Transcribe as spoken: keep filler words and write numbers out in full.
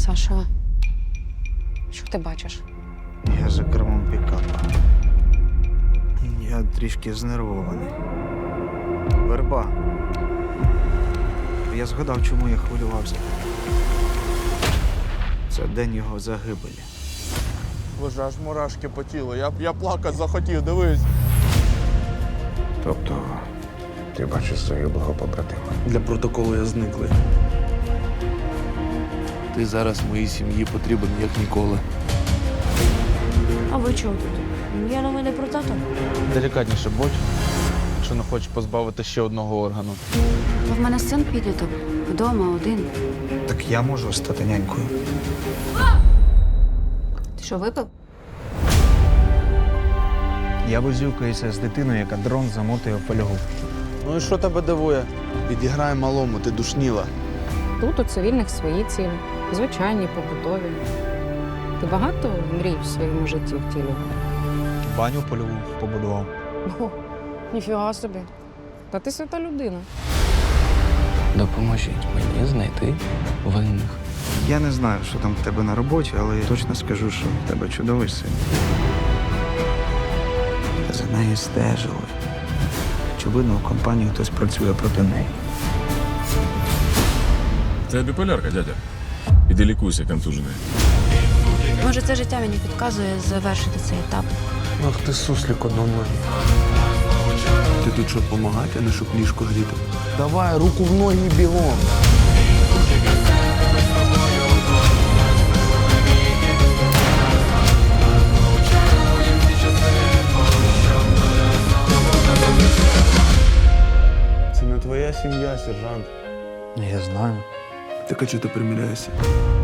Саша, що ти бачиш? Я за кермом пікапа. Я трішки знервований. Верба. Я згадав, чому я хвилювався. Це день його загибелі. Боже, аж мурашки по тілу. Я, я плакати захотів, дивись. Тобто ти бачиш загиблого побратима. Для протоколу я зниклий. Ти зараз моїй сім'ї потрібен як ніколи. А ви чого тут? Я новини про тата. Делікатніше будь, якщо не хочеш позбавити ще одного органу. Та в мене син підліток. Вдома один. Так я можу стати нянькою. Ти що, випив? Я возюкаюся з дитиною, яка дрон замотує в фольгу. Ну і що тебе дивує? Підіграй малому, ти душніла. Тут у цивільних свої цілі, звичайні, побутові. Ти багато мрій в своєму житті втілював? Баню польову побудував. О, ніфіга собі. Та ти свята людина. Допоможіть мені знайти винних. Я не знаю, що там в тебе на роботі, але я точно скажу, що в тебе чудовий син. За нею стежили. Очевидно, у компанії хтось працює проти неї. Це біполярка, дядя. Іди лікуйся, контужений. Може, це життя мені підказує завершити цей етап. Ах ти суслик одноногий. Ти тут щоб допомагати, а не щоб ліжко гріти. Давай, руку в ноги і бігом. Це не твоя сім'я, сержант. Я знаю. Так а чого ти приміряєшся?